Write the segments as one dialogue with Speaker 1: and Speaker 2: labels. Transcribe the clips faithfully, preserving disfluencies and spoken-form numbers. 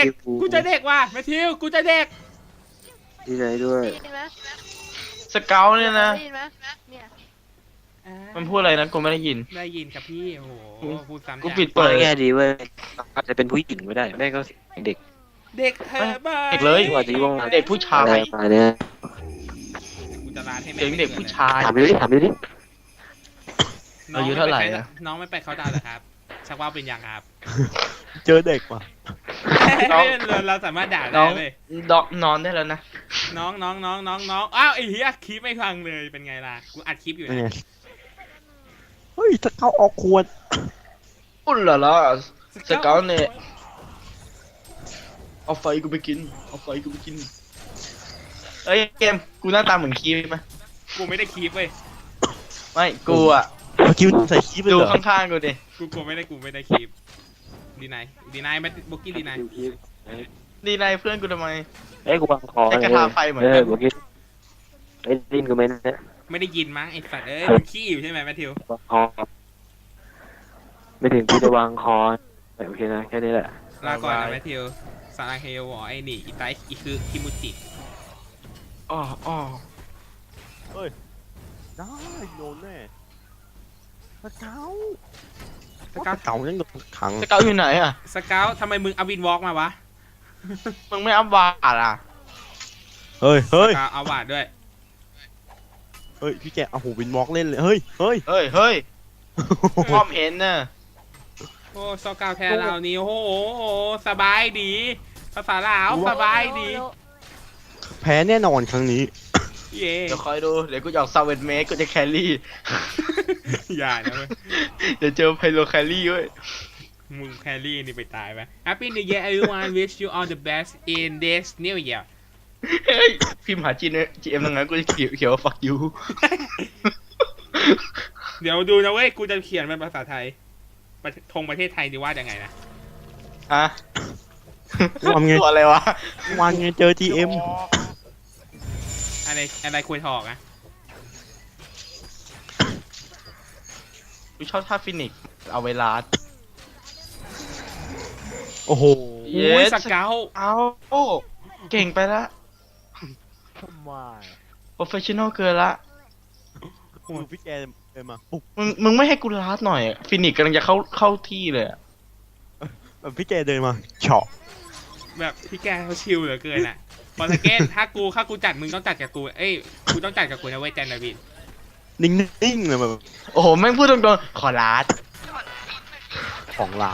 Speaker 1: กกูจะเด็กว่ะแมทธิวกูจะเด็ก
Speaker 2: ดีใจด้วย
Speaker 3: ได้ยินไหม
Speaker 4: สเกลเนี่ยนะ
Speaker 3: ได้ยินไหมเนี่ย
Speaker 1: อ่า
Speaker 4: มันพูดอะไรนะกูไม่ได้ยิน
Speaker 1: ได้ยินครับพี่โอ้โหพูดซ้ำ
Speaker 4: กู
Speaker 1: จัง
Speaker 4: ปิด
Speaker 2: เปิ
Speaker 4: เปิ
Speaker 2: ด
Speaker 4: ด
Speaker 2: แง่ดีเว้ยอาจจะเป็นผู้หญิงไม่ได้แม่ก็เด็ก
Speaker 1: เด็กเธอบ้า
Speaker 4: เด็กเลย
Speaker 2: ว่าจะว่าง
Speaker 4: เด็กผู้ชา
Speaker 2: อะไร
Speaker 4: ย
Speaker 2: มาเนี่ย
Speaker 1: กูจะร้านให้แม่
Speaker 4: เสียงเด็กผู้ชาย
Speaker 2: ถามดิถามดิ
Speaker 1: น้อง
Speaker 4: อายุเท่าไหร่
Speaker 1: ม่ป
Speaker 4: อะ
Speaker 1: น้องไม่ไปเขาดาวน์เหรอครับชักว่าเป็นยังครับ
Speaker 5: เจอเด็กว่ะ
Speaker 4: น้อง
Speaker 1: เราเราสามารถด่า
Speaker 4: น้
Speaker 1: ได้
Speaker 4: อง
Speaker 1: เลย
Speaker 4: ดอกนอนได้แล้วนะ
Speaker 1: น้องน้องน้องน้องน้องอ้าวไอ้เหี้ยคลิปไม่ฟังเลยเป็นไงล่ะกูอัดคลิปอยู่
Speaker 5: เป็นไง
Speaker 1: นะ
Speaker 5: เฮ้ยถ้าเขาออกขวด
Speaker 4: อุ่นเหรอล่ะสเกลเนี่ยเอาไฟกูไปกินเอาไฟกูไปกินเอ้ยเกมกูหน้าตาเหมือนคีไหม
Speaker 1: กูไม่ได้คลิปเว้ย
Speaker 4: ไม่กูอะ
Speaker 5: เมื่อกี้มันใส่ขี้ไป
Speaker 4: ดู
Speaker 5: เหรอ
Speaker 4: ข้างๆกูดิ
Speaker 1: กูกูไม่ได้กูไม่ได้คลิปดีนายดีนายแมทบุกกี้ดีนาย
Speaker 4: ดีนายเพื่อนกูทำไม
Speaker 2: เอ้ยกูวางคอ
Speaker 4: ไอ้กระทาไฟเหมือนกัน
Speaker 2: เออเมื่อกี้ไอ้ดินกูไม่เนี่ย
Speaker 1: ไม่ได้ยินมั้งไอ้สัตว์เอ้ยมึงขี้อยู่ใช่ไหมแมทธิว
Speaker 2: วางคอไม่ถึงที่จะวางคอโอเคนะแค่นี้แหละ
Speaker 1: ลาก่อนนะแมทธิวซาลังเฮโยวอไอ้นี่อีไตอีคือคิมุจิ
Speaker 4: อ๋ออ๋อ
Speaker 5: ได้โดนแน่สเกา
Speaker 1: ส
Speaker 5: ส
Speaker 1: เกา
Speaker 5: เกายังโดนขัง
Speaker 4: สเกลอยู่ไหนอะ
Speaker 1: สเกาทำไมมึงเอาวินวอล์กมาวะ
Speaker 4: มึงไม่อัพวาดอะ
Speaker 5: เฮ้ยเฮ้ย
Speaker 1: สเกาเอาวาดด้วย
Speaker 5: เฮ้ยพี่แกเอาหูวินวอล์กเล่นเลยเฮ้ยเฮ้ย
Speaker 4: เฮ้ยเฮ้ยพร้อมเห็นน่ะ
Speaker 1: โอ้สเกาแทนเรานี่โอ้โหสบายดี ภาษาลาวสบายดี
Speaker 5: แพ้แน่นอนครั้งนี้
Speaker 1: เย่
Speaker 4: เดี๋ยวคอยดู เดี๋ยวกูจะออกซาเวนเมกกูจะแครี่
Speaker 1: อย่านะเว้ย
Speaker 4: เดี๋ยวเจอไพโลแครี่เว้ย
Speaker 1: มึงแครี่นี่ไปตายไป Happy New Year everyone wish you all the best in this new year
Speaker 4: เฮ้ย พิมพ์หาจีเนจีเอ็มยังไงกูจะเขียวเขียวว่า fuck you
Speaker 1: เดี๋ยวดูนะเว้ย กูจะเขียนเป็นภาษาไทยประธงประเทศไทยดีว่ายังไงนะ
Speaker 4: ฮะ
Speaker 5: ทำไง
Speaker 4: ตัวอะไรวะ
Speaker 5: วันไงเจอทีเอ็ม
Speaker 1: อะไรอะไรคุยถอกอะ
Speaker 4: กูชอบท่าฟินิกซ์เอาเวลา
Speaker 5: โอ้โห
Speaker 4: เย้
Speaker 1: โอ้ยสเกา
Speaker 4: เอาโอ้เก่งไปละ
Speaker 5: ทำไม
Speaker 4: โปรเฟชชั่นอลเกินละ
Speaker 5: ดูพี่แกเดินมาปุ๊บ
Speaker 4: มึงมึงไม่ให้กูลาดหน่อยฟินิกซ์กำลังจะเข้าเข้าที่เลยอะ
Speaker 5: แบบพี่แกเดินมาเฉาะ
Speaker 1: แบบพี่แกเขาชิลเหลือเกินอะพอสเกตถ้ากูถ้ากูจัดมึงต้องจัดกับกู เอ้ย กูต้องจัดกับกูนะเว้ยแจนนาวิน
Speaker 5: นิ่งๆเลยแบบ
Speaker 4: โอ้โหแม่งพูดตรงๆขอลาด
Speaker 5: ของร้าน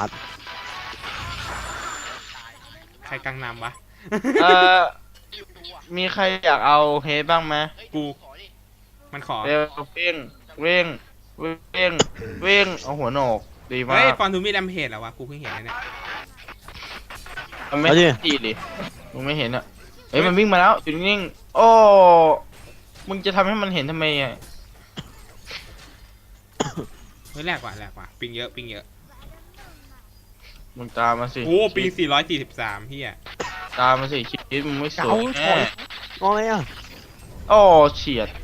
Speaker 1: ใครกังนำวะ
Speaker 4: เอ่อมีใครอยากเอาเฮดบ้างไหม
Speaker 1: กู มันขอ
Speaker 4: เร็วเว่งเว่งเว่งเว่งเอาหัวโหนกดีมา
Speaker 1: เฮ้ย
Speaker 4: ก
Speaker 1: ฟอนทูมีดมเพจเหรอวะ กูเพิ่งเห็นนะเนี่ย
Speaker 4: มันไม่ดีดิมึงไม่เห็นอ่ะเฮ้ยมันวิ่งมาแล้วอยู่นิ่งๆโอ้มึงจะทำให้มันเห็นทำไมอ่ะ
Speaker 1: เฮ้ยแหลกว่ะแหลกว่ะ ปิงเยอะ ปิงเยอะ
Speaker 4: มึงตามมาสิ
Speaker 1: โอ้ปิงสี่ร้อยสี่สิบสามพี่อะ
Speaker 4: ตามมาสิคิดมึงไม่ส
Speaker 5: เกา
Speaker 4: วย
Speaker 5: ถ
Speaker 4: แน่
Speaker 5: อยงออะไรอ่ะ
Speaker 4: โอ้เฉียด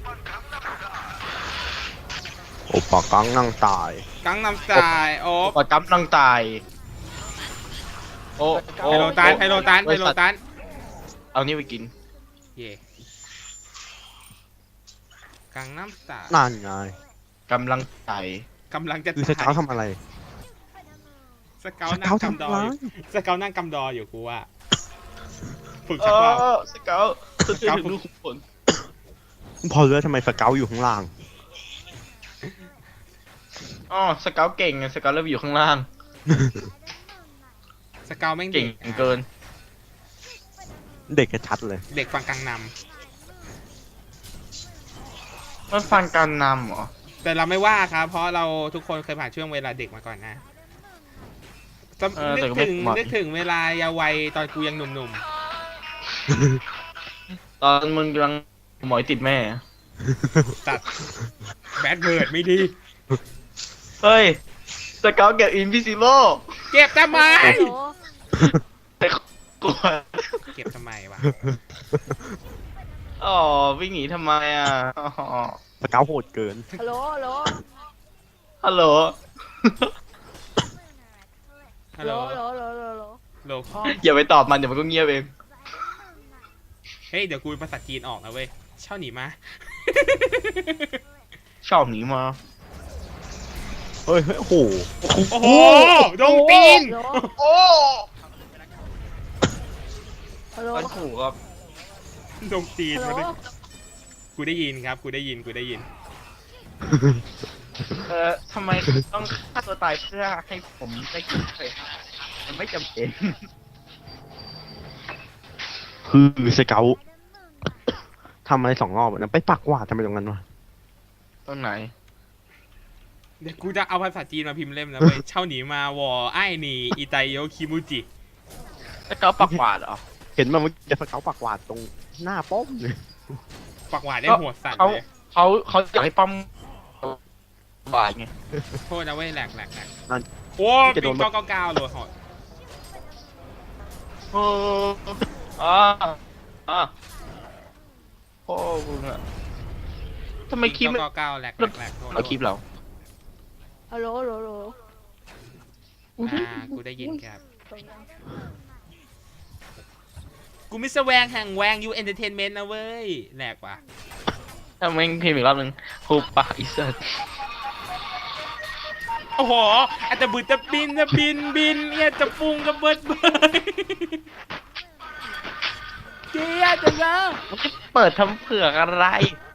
Speaker 5: โอ้ปากกังนั่งตาย
Speaker 1: กังนำสายโอ้
Speaker 4: ปอดจับนังตายโอ้โอ้
Speaker 1: ไฮโลตันไฮโลตันไฮโลตัน
Speaker 4: เอานี่ไปกิน
Speaker 1: เย่กังน้ำสาย
Speaker 5: นั่นไง
Speaker 4: กำลังใจ
Speaker 1: กำลังจะ
Speaker 5: คือสเกาทำอะไร
Speaker 1: สเกา
Speaker 5: ส
Speaker 1: นั่
Speaker 5: เกาง
Speaker 1: กำด
Speaker 5: ทำ
Speaker 1: อ
Speaker 5: อะไร
Speaker 1: อยู่สเกานั่งกำดออยู่กูว่าฝึก
Speaker 4: เอ
Speaker 1: ชักว่าว
Speaker 4: อสเกลสเกลถึงลูกขุนพล
Speaker 5: พอรู้แล้วทำไมสเกาอยู่ข้างล่าง
Speaker 4: อ๋อสเกลเก่งไงสเกลเริ่มอยู่ข้างล่าง
Speaker 1: สเกาแม่ง
Speaker 4: เก่
Speaker 1: เด็
Speaker 4: ง
Speaker 1: ก
Speaker 4: เกิน
Speaker 5: เด็กกระชัดเลย
Speaker 1: เด็กฟังกังน
Speaker 4: มันฟังการนำเหรอ
Speaker 1: ำแต่เราไม่ว่าครับ เพราะเราทุกคนเคยผ่านช่วงเวลาเด็กมาก่อนนะจำ
Speaker 4: เออ
Speaker 1: นึ
Speaker 4: แต่
Speaker 1: ก
Speaker 4: ก็ไม่
Speaker 1: ถึง
Speaker 4: เหมาะ
Speaker 1: นึกถึงเวลาเยาว์วัยตอนกูยังหนุ่ม
Speaker 4: ตอนมึงกำลังหมอยติดแม่
Speaker 1: ๆตัดแบดเบิร์ดไม่ดี
Speaker 4: เฮ้ยสเกลเก็บอินวิซิโบ
Speaker 1: เก็บทำไม
Speaker 3: ฮัลโหล
Speaker 4: แต่กลัว
Speaker 1: เก็บทำไมวะ
Speaker 4: อ๋อวิ่งหนีทำไมอ่ะอ๋อ
Speaker 5: สเกาโหดเกิน
Speaker 3: ฮัลโหลฮัลโหล
Speaker 4: ฮัลโหล
Speaker 1: ฮั
Speaker 3: ฮั
Speaker 1: ล
Speaker 3: ล
Speaker 1: โห
Speaker 3: โห
Speaker 1: ล
Speaker 3: ลฮัลโหลฮัลโหลฮัลโหล
Speaker 1: โลพ่อ
Speaker 4: อย่าไปตอบมันเดี๋ยวมันก็เงียบเอง
Speaker 1: เฮ้ยเดี๋ยวกูภาษาจีนออกนะเว้ยเช่าหนีมา
Speaker 4: ชอบหนีมา
Speaker 5: เฮ้ยเฮ้ยโอ้โห
Speaker 1: โอ้โหดงตีน
Speaker 4: โอ้
Speaker 3: ฮัลโหล
Speaker 4: มันถูกครับ
Speaker 1: ดงตีน
Speaker 3: ฮัลโหล
Speaker 1: มาดิกูได้ยินครับกูได้ยินกูได้ยิน
Speaker 4: เออทำไมต้องฆ่าตัวตายเพื่อให้ผมได้กินเลยมันไม่จำเป็น
Speaker 5: คือสเกลทำอะไรสองรอบอะนะไปปักหวาดทำไมตรงนั้นวะ
Speaker 4: ตรงไหน
Speaker 1: เดี๋ยวกูจะเอาภาษาจีนมาพิมพ์เล่มนะเว้ยเช่าหนีมาวอไอ้หนีอิไตโยคิมูจิ
Speaker 4: แล้วก็ปักหวาดเหรอ
Speaker 5: เห็นมันเมื่อกี้สเกลปักหวาดตรงหน้าป้อมเลย
Speaker 1: ปักหวาดได้หัวสั่น
Speaker 4: เขา
Speaker 1: เลย
Speaker 4: เขาเขาอยากให้ป้อมหวาดไง
Speaker 1: โทษนะเว้ยแหลกแหลกแหลก
Speaker 5: นั่น
Speaker 1: โอ้ปิงเก้าเก้าเก้าเลยหอด
Speaker 4: โอ้อ่าอ่าโอ้มึงอะทำไมคลิป
Speaker 1: ปิง
Speaker 4: ไม่
Speaker 1: เก้าเก้าเก้าแหลกแหลกแหลกโทษ
Speaker 4: เอาคลิปเรา
Speaker 3: ฮัลโหลฮัลโหลฮัลโหล
Speaker 1: อ่ากูได้ยินครับกูมิสแวงแห่งแวงยูเอนเตอร์เทนเมนต์นะเว้ยแหลกว่ะ
Speaker 4: ถ้าแม่งพิมพ์อีกรอบหนึ่งฮูปะอีสัต
Speaker 1: โอ้โหอาจจะบืดจะบินจะบินบินเนี่ยจะปุงจะเบิดเบิดเกียร์จะแล้ว
Speaker 4: มันจะเปิดทำเผือกอะไร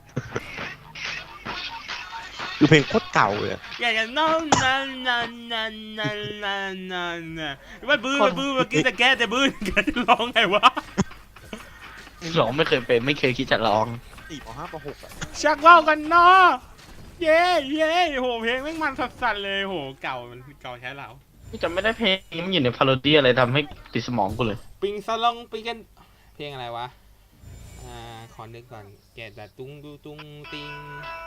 Speaker 5: คือเพลงโคตรเก่าเลยอะ
Speaker 1: อยากจะนอนนอนนอนนอนนอนนอนนอนนะมันบื้อมันบื้อเมื่อกี้จะแก้แต่บื้อแกจะร้องไงวะ
Speaker 4: ร้องไม่เคยเป็นไม่เคยคิดจะร้อง
Speaker 5: สี่ปห้าปหกอะ
Speaker 1: ชักว่าวกันเนาะเย้เย้โหเพลงแม่งมันสัสๆเลยโหเก่ามันเก่าใช้เรา
Speaker 4: จำไม่ได้เพลงนี้มันอยู่ในพาโรดี้อะไรทำให้ติดสมองกูเลย
Speaker 1: ปิงสลองปิงกันเพลงอะไรวะอ่าขอนึกก่อนแกแต่ตุ้งดูตุ้งติง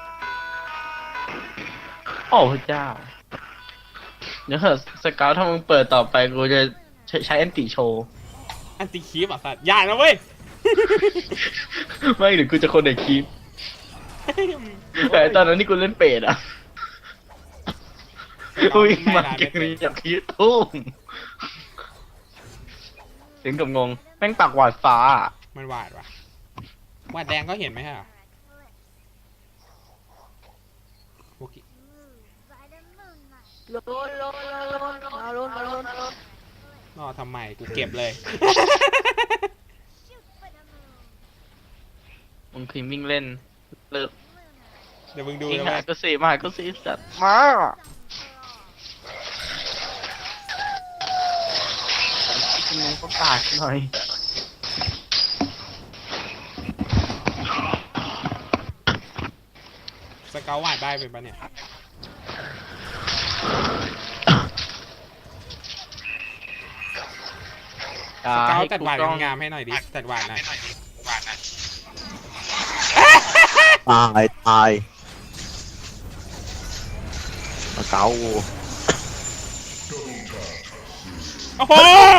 Speaker 4: โอ้พระเจ้า เดี๋ยวเถอะสเกลถ้ามึงเปิดต่อไปกูจะใช้ใช้แอนติโชว์
Speaker 1: อันติคีบอ่ะสัตว์อย่านะเว้ย
Speaker 4: ไม่หรือกูจะคนเด็กคลิปแต่ตอนนั้นที่กูเล่นเป็ดอ่ะวิ่งมาเก่งนี้จากคลิปตุ้มถึงกับงงแม่งปากหวาดฟ้า
Speaker 1: มันหวาดวะหวาดแดงก็เห็นไหมฮะโอเค
Speaker 3: โลนโลนโลนมาโลนมาโลนมาโลน
Speaker 1: รอทำไมกูเก็บเลย
Speaker 4: มึงพิมพ์วิ่งเล่นเลิก
Speaker 1: เดี๋ยวมึงดู
Speaker 4: ยิง
Speaker 1: นะ
Speaker 4: หา
Speaker 1: เว้ย
Speaker 4: ก็สีมาหาก็สีสัตว์มาที่มึงก็ตายหน่อย
Speaker 1: สเกลหวาดได้เป็นปะเนี่ย
Speaker 4: อย่
Speaker 1: สเกล
Speaker 4: ให้
Speaker 1: จัด
Speaker 4: กู
Speaker 1: หวาด
Speaker 4: ต้อง
Speaker 1: งามๆให้หน่อยดิจัดหวาดหน่อย
Speaker 5: ตายตายสเกล
Speaker 1: โอ้โห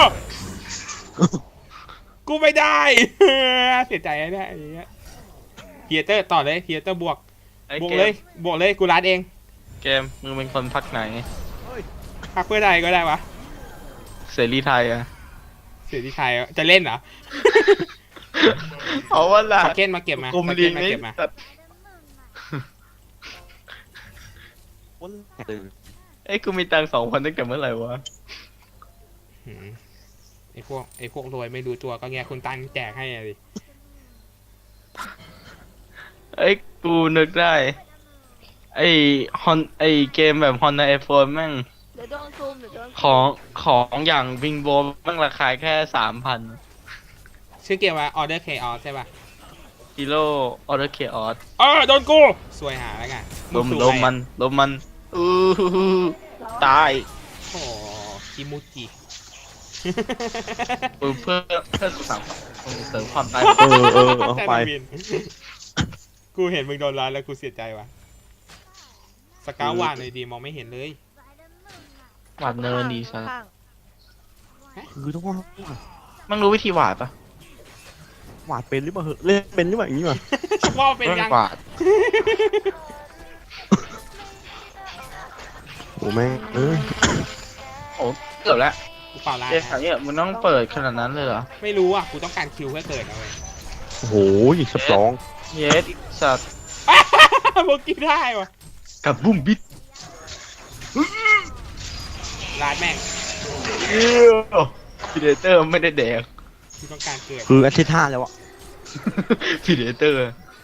Speaker 1: กูไม่ได้ เสียใจนะเนี่ยไอ้เหี้ยเฮียเตอร์ต่อเลยเฮียเตอร์บวก
Speaker 4: ไอ้
Speaker 1: บวก
Speaker 4: เก
Speaker 1: เล
Speaker 4: ม
Speaker 1: ยบวกเลยกูรัดเอง
Speaker 4: เกมมึงเป็นคนพักไหน
Speaker 1: พักเพื่อใดก็ได้วะ
Speaker 4: เสรีไทยอะ
Speaker 1: เสียที่ไทยจะเล่นเหรอ
Speaker 4: เอาว่าล่ะ
Speaker 1: สเก็ตมาเก็บมาก
Speaker 4: ลุ่ม
Speaker 1: ส
Speaker 4: ลี
Speaker 1: เก็ต
Speaker 4: ง
Speaker 1: มา
Speaker 4: นี่
Speaker 1: เก็บมา
Speaker 4: สัตว์
Speaker 5: คนแตก
Speaker 4: เอ้ยกูมีตังค์สองพันตั้งแต่เมื่อไหร่วะ
Speaker 1: หืมไอพวกไอพวกรวยไม่รู้ตัวก็แง่คุณตันแจกให้อะดิ
Speaker 4: เอ้ยกูนึกได้ ไอ้ฮอนไอ้เกมแบบฮอนในไอโฟนแม่ง
Speaker 3: เดี๋ยวโดนซูมเดี๋ยวโดน
Speaker 4: ของของอย่างวิงโบแม่งราคาแค่สามพัน
Speaker 1: ชื่อเกมว่า Order Chaos ใช่ป่ะ
Speaker 4: ฮีโร่ออเดอร์เคออส
Speaker 1: เออโดนกูสวยหาแล้วไง
Speaker 4: ลม
Speaker 1: สู้
Speaker 4: ลม
Speaker 1: ใคร
Speaker 4: มันลมมันอือหือตาย
Speaker 1: โอ้คิมูจิ
Speaker 4: เออเพื่อเพื่อสุสานเสริมความตาย
Speaker 5: เออเออเอาไป
Speaker 1: แต่ละวินกูเห็นมึงโดนร้านแล้วกูเสียใจว่ะสกาววานเลยดีมองไม่เห็นเลย
Speaker 4: หวาดเนินดีซะ
Speaker 3: ข้าง
Speaker 5: คือต้องว่า
Speaker 4: มันรู้วิธีหวาดปะ
Speaker 5: หวาดเป็นหรือเปล่าเหอะเล่นเป็นหรือเปล่าอย่างนี้วะ
Speaker 1: ว่าเป็น
Speaker 4: เรื่อง
Speaker 1: ยัง
Speaker 4: หวาด
Speaker 5: โอ้แม่งเออ
Speaker 4: โอ้เกือบแล้ว
Speaker 1: กูเปล่าร้าน
Speaker 4: เจ๊ขนาดนี้มันต้องเปิดขนาดนั้นเลยเหรอ
Speaker 1: ไม่รู้อ่ะกูต้องการคิวเพื่อเกิดเอาไว้
Speaker 5: โอ้โหสปรอง
Speaker 4: เยสสัตว์
Speaker 1: โบกี้ได้วะ
Speaker 4: กับบุ้มบิด
Speaker 1: ร้านแม่ง
Speaker 4: เอ้ยพีเดเตอร์ไม่ได้แดก
Speaker 1: กูต้องการเกิด
Speaker 5: คืออาทิตย์ห้าแล้วอะ
Speaker 4: พีเดเตอร์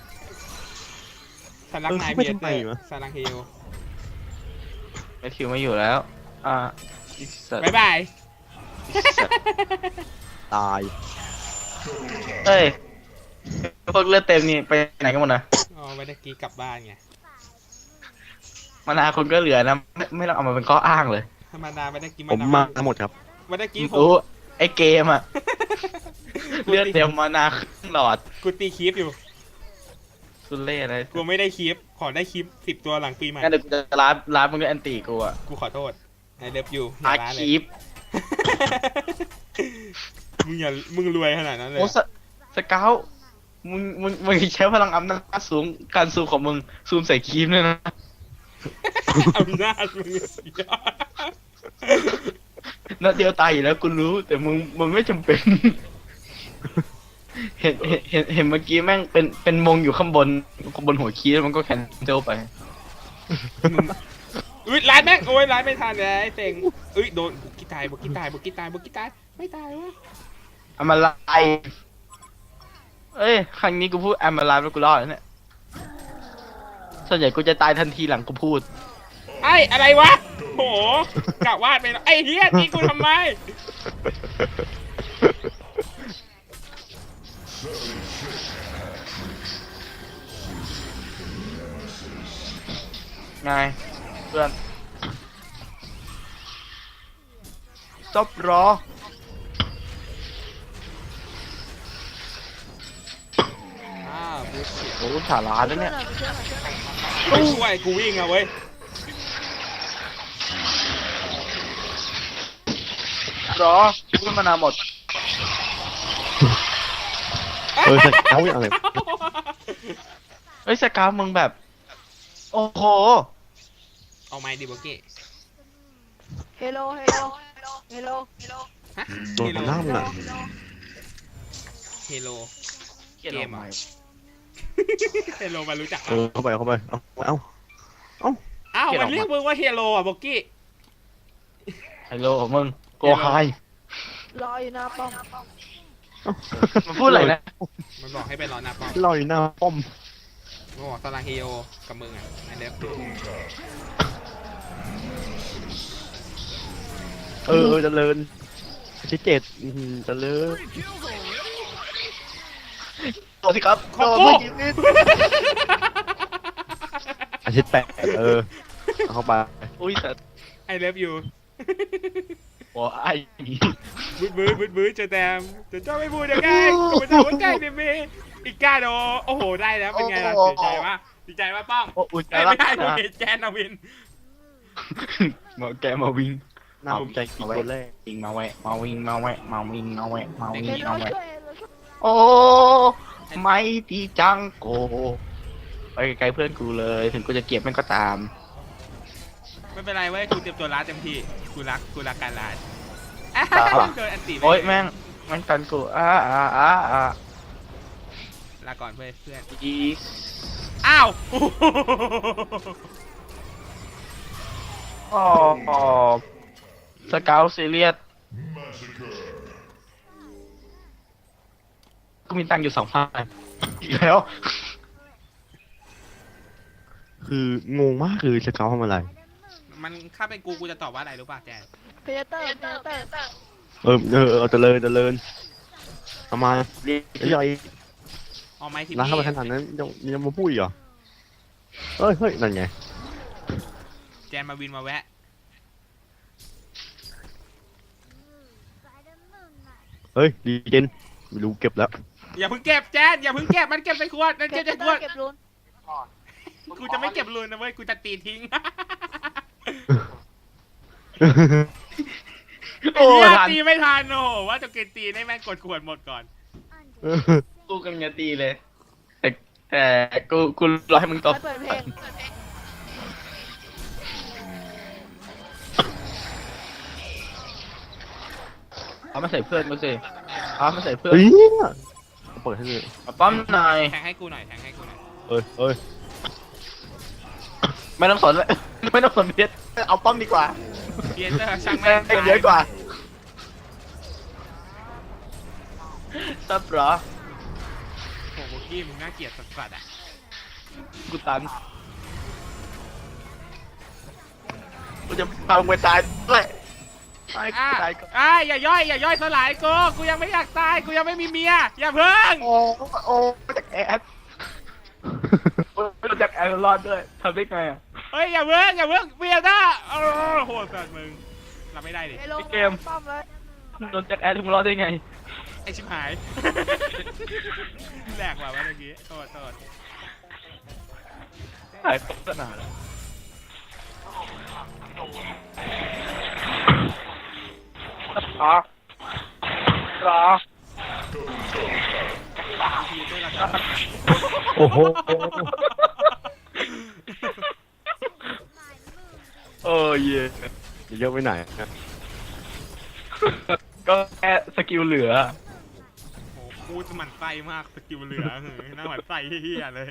Speaker 1: สลักนาย
Speaker 5: เออเขาไม่
Speaker 1: เบีย
Speaker 5: ทำ
Speaker 1: เต
Speaker 5: ไม
Speaker 1: อร์
Speaker 5: วะ
Speaker 1: สลักเฮล
Speaker 4: แมทธิวไม่อยู่แล้ว อ่าอีสัตว์
Speaker 1: บ๊ายบาย
Speaker 4: อีสัตว์
Speaker 5: ตาย
Speaker 4: เอ้ยพวกเลือดเต็มนี่ไปไหนกันหมดนะ
Speaker 1: อ๋อวันตะกี้กลับบ้านไง
Speaker 4: มานาคนก็เหลือนะ ไม่ไม่ต้องเอามาเป็นข้ออ้างเลย
Speaker 1: ธรรมดาวันตะกี้
Speaker 5: ผม
Speaker 1: น
Speaker 5: มาทั้งหมดครับ
Speaker 1: วันตะกี้ผม
Speaker 4: รู้ไอเกมอะเลือดเต็มมานาครึ่งหลอด
Speaker 1: กูตีคลิปอยู่
Speaker 4: สุดเล่อะไร
Speaker 1: กูไม่ได้คลิป ขอได้คลิปสิบตัวหลังปีใหม่
Speaker 4: งั้นเดี๋ยวกูจะร้านร้านมึงด้วยแอนตี้กูอะ
Speaker 1: กูขอโทษไอเลิฟยูอ
Speaker 4: อา
Speaker 1: ย่าร้านเล
Speaker 4: คี
Speaker 1: ย
Speaker 4: ป
Speaker 1: มึงอย่า มึงรวยขนาดนั้นเลย
Speaker 4: โอ้สสเกลมึงมึงมึงใช้พลังอำนาจสูงการซูมของมึงซูมใส่คีมด้วยนะ
Speaker 1: อำนาจมึงสุดยอด
Speaker 4: นัดเดียวตายอยู่แล้วกูรู้ แต่มึงมึงไม่จำเป็น เห็นเห็นเห็นเห็นเมื่อกี้แม่งเป็นเป็นมงอยู่ข้างบนข้างบนหัวคีย์แล้วมันก็แคนเซิลไป
Speaker 1: อุ้ยร้านแม่งโอ้ยร้านไม่ทันเลยไอ้เต็งอุ้ยโดนบุกกี้ตายบุกกี้ตายบุกกี้ตายบุกกี้ตายไม่ตายวะ
Speaker 4: อามาไลเอ้ย ครั้งนี้กูพูดอามาไลแล้วกูรอดแล้วเนี่ย ส่วนใหญ่กูจะตายทันทีหลังกูพูด
Speaker 1: ไอ้อะไรวะโหกะวาดไปแล้วไอ้เฮียตีกูทำไม
Speaker 4: ไงเพื่อนซบรอ
Speaker 1: อ้าวบุก
Speaker 4: โอ้ลูกสาราแล้ว
Speaker 3: ช่วย
Speaker 4: เนี่ย
Speaker 3: หน่อยช่วยหน่อยช่วยหน่อย
Speaker 1: ไม่ช่วยกูวิ่งอะเว้ย
Speaker 4: รอกูขึ้นมานานหมด
Speaker 5: เออสเกลอย่างไร
Speaker 4: เฮ้ยสกาวมึงแบบ โอ้โห
Speaker 1: เอาไม้ดิโบเก้
Speaker 3: เฮลโลเฮลโลเฮลโลเฮลโล
Speaker 1: ฮะ
Speaker 5: โดนหน้ามึงอะ
Speaker 1: เฮโล
Speaker 4: เกลียด
Speaker 1: เกม
Speaker 4: ออก
Speaker 1: อะ
Speaker 4: มา
Speaker 1: เฮโลมารู้จัก
Speaker 5: เออเข้าไปเข้าไปเอาเอา
Speaker 1: อ้าวมันเรียกมึงว่าเฮโลอ่ะโบกี้
Speaker 4: ฮัลโหลมึงโกไฮ
Speaker 3: รออยู่หน้าป้อม
Speaker 4: มันพูดอะไรนะ
Speaker 1: มันบอกให้ไปรอหน้าป้อม
Speaker 5: ลอยหน้าป้อม
Speaker 1: มันบอกสลังเฮโลกับมึงอ่ะไอเลิฟ
Speaker 5: เออเออเจริญอาทิตย์เจ็ดอื้อหือเจริญ
Speaker 4: โทษสิครับ
Speaker 1: ขอบ
Speaker 4: โดน
Speaker 1: กู
Speaker 4: ไม่ยิงนิด
Speaker 5: อาทิตย์แปดเออเอาเข้าไป
Speaker 4: อุ้ยแต่
Speaker 1: ไอเลิฟยู
Speaker 4: โอ้ไอ้
Speaker 1: บึ้ดบึ้ดบึ้ดบึ้ดเจอแตมจะเจ้าไม่พูดยังไงกูไม่จะหัวใจเบเบอีกก้าโดโอ้โหได้แล้วเป็นไงล่ะดีใจปะดีใจปะป้อง
Speaker 4: โอ้อุ่นใจ
Speaker 1: เอ้ย
Speaker 4: รั
Speaker 1: ไม่
Speaker 4: ก
Speaker 1: ได้กู
Speaker 4: นะ
Speaker 1: เห็นแจนนาวิน
Speaker 4: มาแกมาวิ่ง
Speaker 5: น่าภูมิใจกี่คนแรก
Speaker 4: วิ่งมาแวะมาวิ่งมาแวะมาวิ่งมาแวะมาวิ่ง
Speaker 3: เฮลโล
Speaker 4: มาแวะ
Speaker 3: ช่วยเฮลโลช่วย
Speaker 4: โอ้ไม่ดีจังโกไปไกลๆเพื่อนกูเลย ถึงกูจะเกลียดมันก็ตาม
Speaker 1: ไม่เป็นไรเว้ยกูเตรียมตัวร้านเต็มที่กูรักกูรักการร้าน
Speaker 4: ตาหรอ
Speaker 1: โดนอันตีไป
Speaker 4: โอ้ยแม่งแม่งกันกูอ้าอ้าอ้าอ้า
Speaker 1: ลาก่อนเพื่อนเพื่อน
Speaker 4: อี
Speaker 1: อ้าว
Speaker 4: อ๋อสเกลซีเรียสกูมีตังค์อยู่สองพันอีกแล้ว
Speaker 5: คืองงมากคือสเกลทำอะไร
Speaker 1: มันถ้าเป็นกูกูจะตอบว่าอะไรรู้ป่ะแจน
Speaker 3: เพเดเตอร์เพเดเตอร์
Speaker 5: เออเออเออเจริญเจริญทำไมไอ้ยอย
Speaker 1: เอาไม้ที่
Speaker 5: ร้านเข้าไปขนาดนั้นยังยังมาพูดอีกเหรอเฮ้ยเฮ้ยนั่นไง
Speaker 1: แจนมาวินมาแวะ
Speaker 5: เฮ้ยดีเจนไม่รู้เก็บแล้ว
Speaker 1: อย่าเพิ่งเก็บแจนอย่าเพิ่งเก็บมันเก็บใส่ขวดมันเก็บใส่ขวด
Speaker 3: เก็บรูน
Speaker 1: กูจะไม่เก็บรูนนะเว้ยกูจะตีทิ้ง
Speaker 4: โอ้
Speaker 1: ไอ้เหี้ย
Speaker 4: ทัน
Speaker 1: ตีไม่ทันโอ้โหว่าจะเกินตีได้แม่งกดขวดหมดก่อน
Speaker 4: กูกำลังจะตีเลย แต่แต่กูกูรอให้มึงตบ
Speaker 3: ไม่เปิดเพลง
Speaker 1: ไ
Speaker 4: เอามาใส่เพื่อนกูสิเอามาใส่เพื่อน
Speaker 5: เฮ้ยเปิดให้เลย
Speaker 4: มาป้อมหน่อย
Speaker 1: แทงให้กูหน่อยแทงให้กูหน่อย
Speaker 5: เอ้ยเอ้ย
Speaker 4: ไม่ต้องสนเลย ไม่ต้องสนเพชรเอาป้อมดีกว่า
Speaker 1: เพียเตอร์ช่าง
Speaker 4: แม่
Speaker 1: แม่ง
Speaker 4: งเยอะกว่าซับเหรอ
Speaker 1: โอ้โหกี้มึงน่าเกลียดสัสๆอ่ะ
Speaker 4: กูตันกูจะพามึงไปตายด้วยตาย
Speaker 1: อ่ะ
Speaker 4: ตายก่อน
Speaker 1: อ่ะอย่าย่อยอย่าย่อยสลายกูกูยังไม่อยากตายกูยังไม่มีเมียอย่าเพิ่ง
Speaker 4: โอ้โอ้จากแอดไม่รู้จักแอดรอดด้วยทำได้ไงอ่ะ
Speaker 1: เฮ้ยอย่าเพิ่งอย่าเพิ่งเพียเตอร์โอ้โหสัสมึงรับไม่ได้ดิ
Speaker 3: เฮโล
Speaker 4: เกม
Speaker 3: ป้อมเลย
Speaker 4: โดนจากแอดมึงรอดได้ไง
Speaker 1: ไอชิบหายแหลกว่ะเมื่อกี้โทษโทษ
Speaker 4: หายโฆษณาแล้วรอรอ
Speaker 1: พีเตอร์ละกัน
Speaker 5: โอ้โห
Speaker 4: เออเย่
Speaker 5: เยอะไปไหนนะ
Speaker 4: ก็แค่สกิลเหลือ
Speaker 1: โอ้โหกูจะหมั่นไส้มากสกิลเหลือเฮ้ยน่าหมั่นไส้เฮียเลย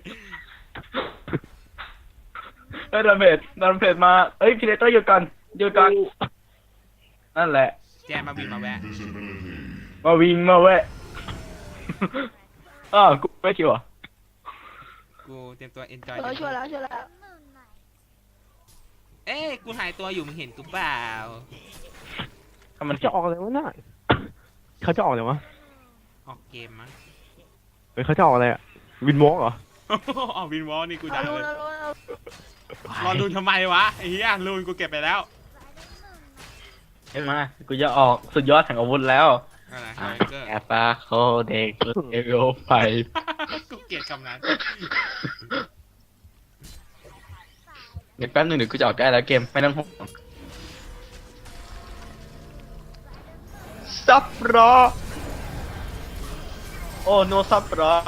Speaker 4: เอ้ยดันเพจดันเพจมาเอ้ยพีเดเตอร์หยุดก่อนหยุดก่อนนั่นแหละ
Speaker 1: แจมมาบินมาแวะ
Speaker 4: มาวิ่งมาเว้ยอ้าวกูไม่คิวอ่ะ
Speaker 1: กูเตรียมตัว enjoy
Speaker 3: เออช่วยแล้วช่วยแล้ว
Speaker 1: เอ้ยกูหายตัวอยู่มึงเห็นกูเปล่า
Speaker 4: ทำมัน
Speaker 5: จะออกอะไรวะน่ะเขาจะออกอะไรวะ
Speaker 1: ออกเกมมั้ง
Speaker 5: เฮ้ยเขาจะออกอะไรอะวินวอล์กเหรอ
Speaker 1: ออกวินวอลนี่กู
Speaker 3: เอา
Speaker 1: ด่า
Speaker 3: ลู
Speaker 1: เล
Speaker 3: น
Speaker 1: ย
Speaker 3: เอาลูนเอา
Speaker 1: รอลูนทำไมวะไอ้เหี้ยลูนกูเก็บไปแล้ว
Speaker 4: เห็นไหมกูจะออกสุดยอดแห่งอาวุธแล้ว
Speaker 1: อะไรไฮเกอร์
Speaker 4: แอปปาโคเด็กเอโรไป
Speaker 1: กูเกลียดคำนั้น
Speaker 4: เดี๋ยวแป๊บนึงเดี๋ยวกูจะออกได้แล้วเกมไม่ต้องห่วงซับรอโอ้โนซับรอ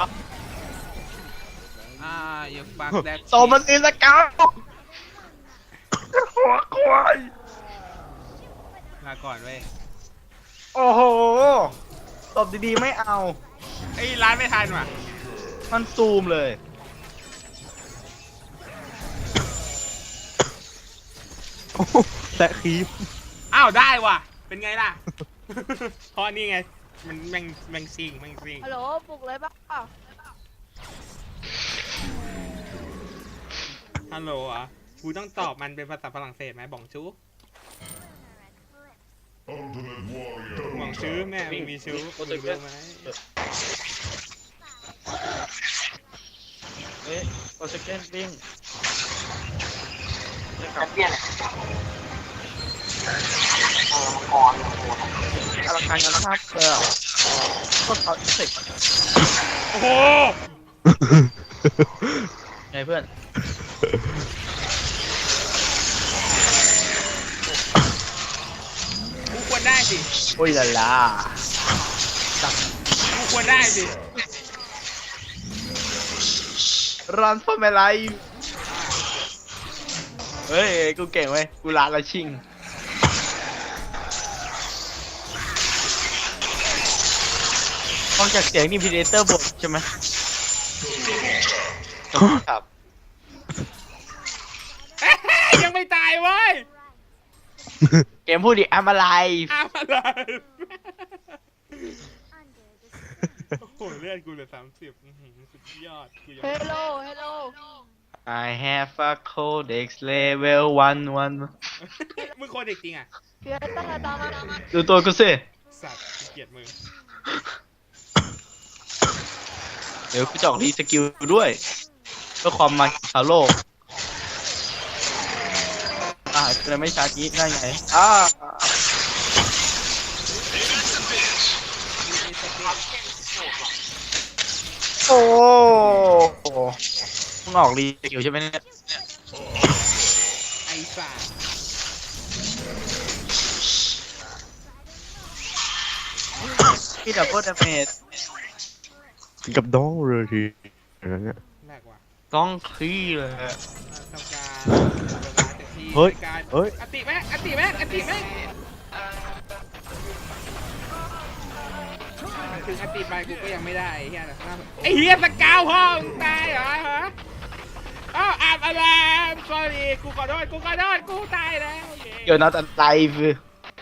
Speaker 1: อ่าอย่าฟังแดด
Speaker 4: โซมันอินสเกาหัวควาย
Speaker 1: ลาก่อนเว้ย
Speaker 4: โอ้โหตบดีๆไม่เอา
Speaker 1: ไอ้ยร้านไม่ทันว่ะ
Speaker 4: มันซูมเลย
Speaker 5: แซะคีฟ
Speaker 1: อ้าวได้ว่ะเป็นไงล่ะ เพราะนี่ไงมันแมงแมงซิงแมงซิง
Speaker 3: ฮัลโหลปลุกเลยป่ะ
Speaker 1: ฮัลโหลอ่ะกูต้องตอบมันเป็นภาษาฝรั่งเศสไหมบ่องชู้บ่องชู้แม่มึงมีชู้มึงรู้ไหม
Speaker 4: เอ๊ะโอเซเกนปิ้งอลังการงานภาพเออก็เขาเสร็จ
Speaker 1: โอ้โห
Speaker 4: ไงเพื่อน
Speaker 1: กูควรได้สิ
Speaker 4: โอ้ยลาลา
Speaker 1: กูควรได้สิ
Speaker 4: รันฟอร์เมลไลเฮ้ย กูเก่งเว้ย กูลาละชิงฟังจากเสียงนี่พีเดเตอร์บทใช่ไหมครับ
Speaker 1: เอ้ยยังไม่ตายเว้ย
Speaker 4: เกมพูดดิแอมอะไร
Speaker 1: อ้าวอะไรโอ้โหเลือดกูเหลือสามสิบสุดยอดกูยัง
Speaker 3: เฮโลเฮโล
Speaker 4: I have a codex level one one
Speaker 1: มึงโคตรเด็กจริงอ่ะ
Speaker 3: เพียตั้งแต่ตามมา
Speaker 4: ดูตัวกูสิ
Speaker 1: สัตว์กูเกลียดมึง
Speaker 4: เดี๋ยวกูจะออกรีสกิลด้วยเพื่อความมันของชาวโลก อ่าจะไม่ชาร์จนี้ได้ไงอ่าโอ้โหมึงออกรีสกิลใช่ไหมเนี่ย
Speaker 1: ไอ้สัตว์
Speaker 4: พี่ดับเบิลดาเมจ
Speaker 5: กับดองเลยทีอะไรเงี้ย
Speaker 1: แรกว่ะ
Speaker 4: ต้องคลี่เลยอะ
Speaker 1: ทำการเวลาเต็มที่
Speaker 5: เฮ้ย
Speaker 1: ในการ
Speaker 5: เฮ้ย
Speaker 1: อติแม่งอติแม่งอติแม่งถึงอติไปกูก็ยังไม่ได้ไอ้เฮียไอ้เฮียสกาวพ่อมึงตายเหรอฮะอ้าวอาบอะไร sorry กูขอโทษกูขอโทษกูตายแล้ว
Speaker 4: เดี๋ยวนัดอะไรคือ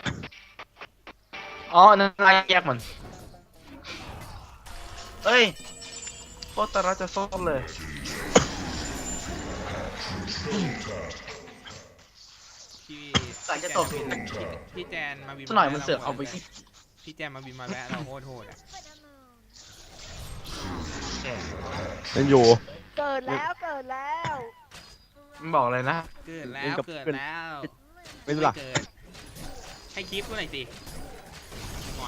Speaker 4: อ๋อนั่นอะไรแยกมันเอ้ยโคตรตาระจะซ่อนเลย
Speaker 1: พี่
Speaker 4: หลังจะตบ
Speaker 1: พี่พี่แจนมาบิน
Speaker 4: สักหน่อยมันเสือกเอาไป
Speaker 1: พี่แจนมาบินมาแวะเราโคตรโหดอ่ะ
Speaker 5: ยังอยู่
Speaker 3: เกิดแล้วเกิดแล้ว
Speaker 4: มันบอกอะไรนะ
Speaker 1: เกิดแล้
Speaker 5: เล่
Speaker 1: วน
Speaker 5: กับ
Speaker 1: เกิด
Speaker 5: เพื่อน
Speaker 1: แล้ว
Speaker 5: ไม่รู้ล่ะ
Speaker 1: เกิดให้คลิปกูหน่อยสิก่อน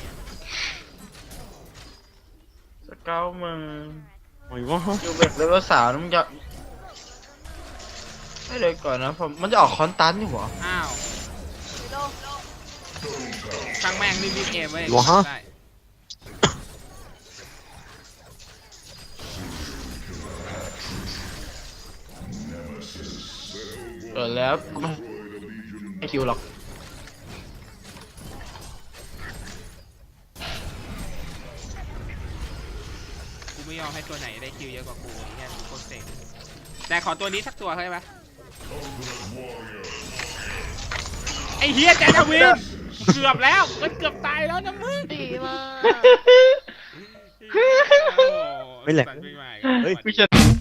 Speaker 4: สเกลมึง
Speaker 5: โอ้ยวะ
Speaker 4: อยู่เบรกเลเวลสามมึงจะให้เลยก่อนนะผมมันจะออกคอนตันอยู่เหรอ
Speaker 1: อ้าว
Speaker 3: เฮโล
Speaker 1: ช่างแม่งรีบๆเอมเว้ย
Speaker 5: หรอฮะ
Speaker 1: ได้
Speaker 4: เกิดแล้วกูไม่ให้คิวหรอก
Speaker 1: กูไม่ยอมให้ตัวไหนได้คิวเยอะกว่ากูไอ้เหี้ยกูโคตรเซ็งแต่ขอตัวนี้สักตัวเข้าใจปะไอ้เฮียแจนทวินเกือบแล้วมันเกือบตายแล้วนะมึง
Speaker 3: ดีมาก
Speaker 5: ไม่แหลก
Speaker 1: สัตว์ปีใหม่
Speaker 5: เฮ้ย
Speaker 4: ไม่ใช่